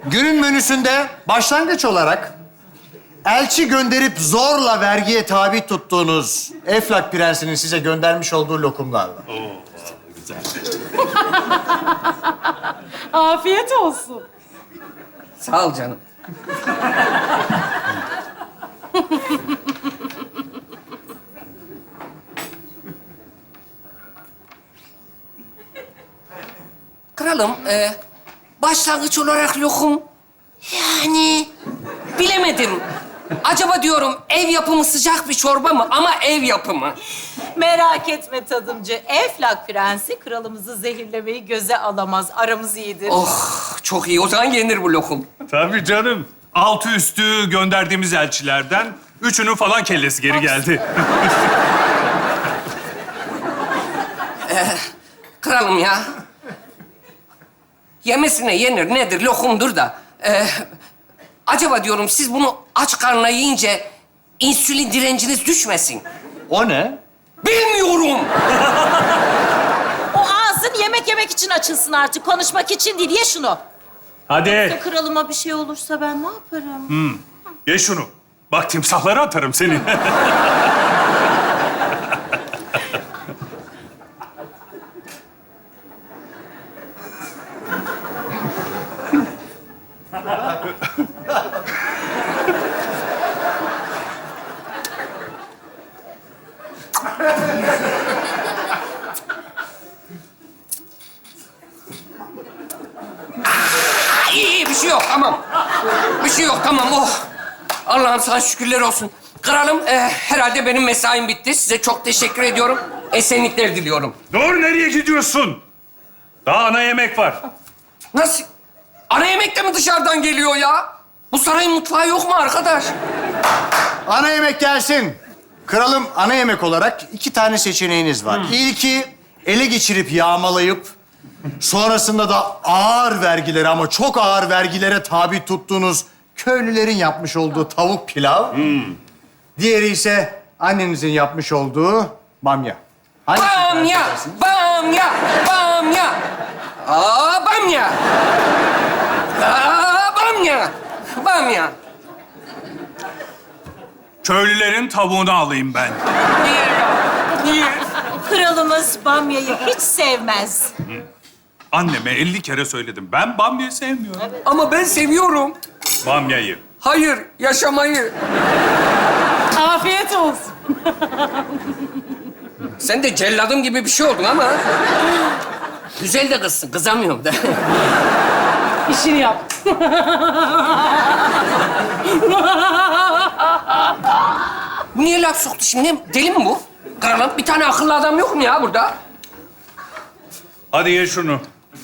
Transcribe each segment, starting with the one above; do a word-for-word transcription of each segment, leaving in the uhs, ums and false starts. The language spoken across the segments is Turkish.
Günün menüsünde başlangıç olarak elçi gönderip zorla vergiye tabi tuttuğunuz Eflak Prensi'nin size göndermiş olduğu lokumlar var. Afiyet olsun. Sağ ol canım. Kralım, e, başlangıç olarak lokum. Yani bilemedim. Acaba diyorum ev yapımı sıcak bir çorba mı? Ama ev yapımı. Merak etme tadımcı. Eflak Prensi kralımızı zehirlemeyi göze alamaz. Aramız iyidir. Oh, çok iyi. O zaman yenir bu lokum. Tabii canım. Altı üstü gönderdiğimiz elçilerden üçünün falan kellesi geri geldi. Kralım ya. Yemesine yenir nedir? Lokumdur da. Ee, acaba diyorum siz bunu aç karnına yiyince insülin direnciniz düşmesin. O ne? Bilmiyorum. O ağzın yemek yemek için açılsın artık. Konuşmak için değil. Ye şunu. Hadi Kralıma bir şey olursa ben ne yaparım? ye şunu. Bak timsahlara atarım seni. Ha, iyi, iyi bir şey yok tamam. Bir şey yok tamam oh. Allah'ım sana şükürler olsun. Kralım e, herhalde benim mesaim bitti. Size çok teşekkür ediyorum. Esenlikler diliyorum. Dur nereye gidiyorsun? Daha ana yemek var. Nasıl? Ana yemek de mi dışarıdan geliyor ya? Bu sarayın mutfağı yok mu arkadaş? Ana yemek gelsin. Kralım, ana yemek olarak iki tane seçeneğiniz var. İlki ele geçirip yağmalayıp sonrasında da ağır vergilere ama çok ağır vergilere tabi tuttuğunuz köylülerin yapmış olduğu tavuk pilav. Diğeri ise annenizin yapmış olduğu bamya. Hangisini tercih Bamya, edersiniz? bamya, bamya. Aa, bamya. Aa, bamya. Bamya. Köylülerin tavuğunu alayım ben. Niye ya? Niye? Kralımız bamyayı hiç sevmez. Anneme elli kere söyledim. Ben bamyayı sevmiyorum. Ama ben seviyorum. Bamyayı. Hayır, yaşamayı. Afiyet olsun. Sen de celladım gibi bir şey oldun ama. Güzel de kızsın, kızamıyorum da. İşini yap. Bu niye laf soktu şimdi? Deli mi bu? Kralım, bir tane akıllı adam yok mu ya burada? Hadi ye şunu.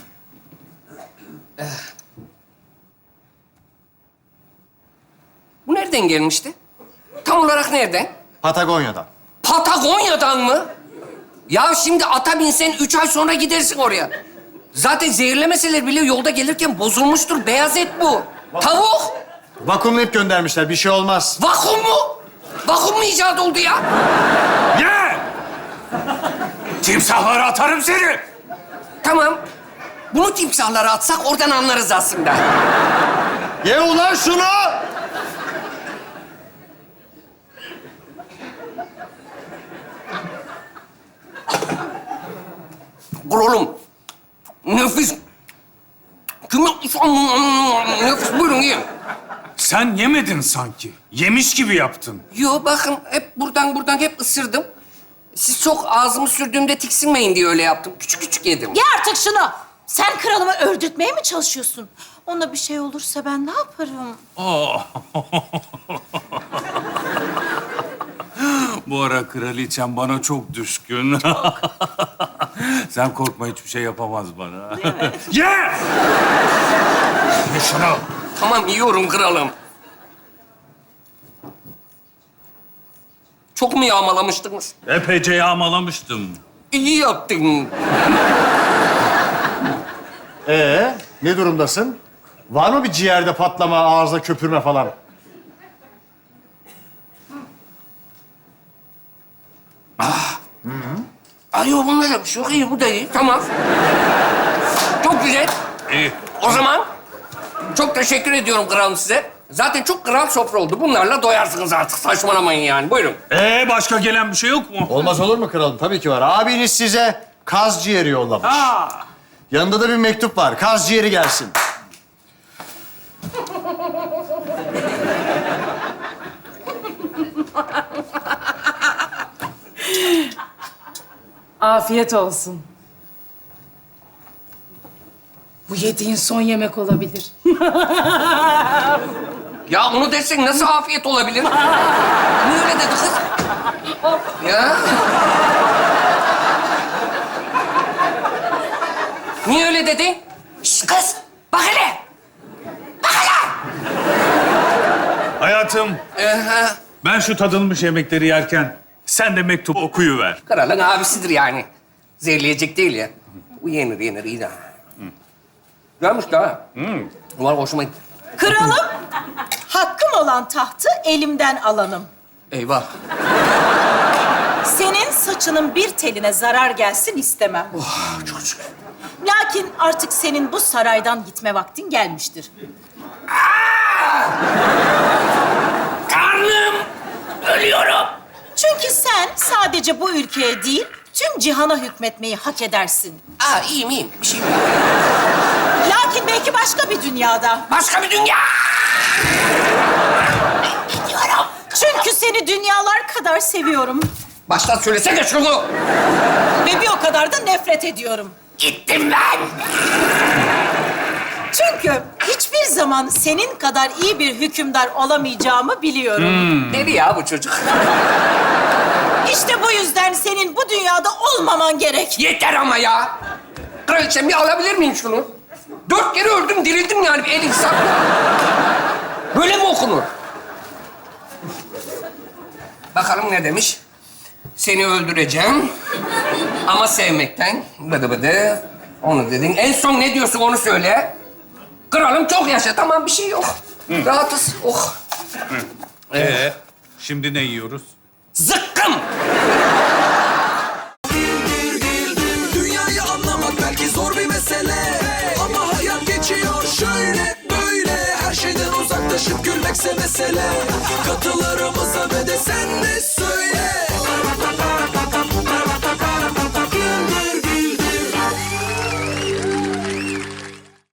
Bu nereden gelmişti? Tam olarak nereden? Patagonya'dan. Patagonya'dan mı? Ya şimdi ata binsen üç ay sonra gidersin oraya. Zaten zehirlemeseler bile yolda gelirken bozulmuştur. Beyaz et bu. Tavuk. Vakumlayıp göndermişler. Bir şey olmaz. Vakum mu? Vakum mu icat oldu ya? Ye! Timsahlara atarım seni. Tamam. Bunu timsahlara atsak oradan anlarız aslında. Ye ulan şunu! Kralım. Nefis. Kim yapmış? Nefis. Buyurun yiyin. Sen yemedin sanki. Yemiş gibi yaptın. Yo bakın hep buradan buradan hep ısırdım. Siz çok ağzımı sürdüğümde tiksinmeyin diye öyle yaptım. Küçük küçük yedim. Ye artık şunu. Sen kralımı öldürtmeye mi çalışıyorsun? Ona bir şey olursa ben ne yaparım? Bu ara kraliçem bana çok düşkün. Sen korkma, hiçbir şey yapamaz bana. Ye! Ye şunu. Tamam yiyorum kralım. Çok mu yağmalamıştınız? Epeyce yağmalamıştım. İyi yaptın. Ee, ne durumdasın? Var mı bir ciğerde patlama, ağızda köpürme falan? Ay yok bunda da bir şey yok. İyi bu da iyi. Tamam. Çok güzel. İyi. O zaman Çok teşekkür ediyorum kralım size. Zaten çok kral sofra oldu. Bunlarla doyarsınız artık. Saçmalamayın yani. Buyurun. Ee başka gelen bir şey yok mu? Olmaz olur mu kralım? Tabii ki var. Abiniz size kaz ciğeri yollamış. Aa. Yanında da bir mektup var. Kaz ciğeri gelsin. Afiyet olsun. Bu yediğin son yemek olabilir. Ya onu desek nasıl afiyet olabilir? Niye öyle dedi kız? Ya? Niye öyle dedi? Şş kız, bak hele! Bak hele! Hayatım, Ee, ben şu tadılmış yemekleri yerken sen de mektup okuyuver. kralın abisidir yani. Zehirleyecek değil ya. Bu yenir, yenir, iyi de. Görmüş de ha. Umarım hoşuma gitti. Kralım, hakkım olan tahtı elimden alanım. Eyvah. Senin saçının bir teline zarar gelsin istemem. Çok şükür. Lakin artık senin bu saraydan gitme vaktin gelmiştir. Karnım! Ölüyorum! Çünkü sen sadece bu ülkeye değil, tüm cihana hükmetmeyi hak edersin. Aa, iyiyim, iyiyim. Bir şey yok. Lakin belki başka bir dünyada. Başka bir dünya! Gidiyorum. Çünkü seni dünyalar kadar seviyorum. Baştan söylesene şunu. Ve bir o kadar da nefret ediyorum. Gittim ben. Çünkü hiçbir zaman senin kadar iyi bir hükümdar olamayacağımı biliyorum. Deli ya bu çocuk. İşte bu yüzden senin bu dünyada olmaman gerek. Yeter ama ya. Kraliçem bir alabilir miyim şunu? Dört kere öldüm, dirildim yani. Bir el insan. Böyle mi okunur? Bakalım ne demiş? Seni öldüreceğim ama sevmekten. Bıdı bıdı. Onu dedin. En son ne diyorsun onu söyle. Kralım çok yaşa. Tamam bir şey yok. Rahatız. Oh. Ee, şimdi ne yiyoruz? Zıkkım. Dünyayı anlamak belki zor bir mesele, ama hayat geçiyor şöyle böyle. Her şeyden uzaklaşıp gülmekse mesele. Katılarımıza ve de sen de söyle.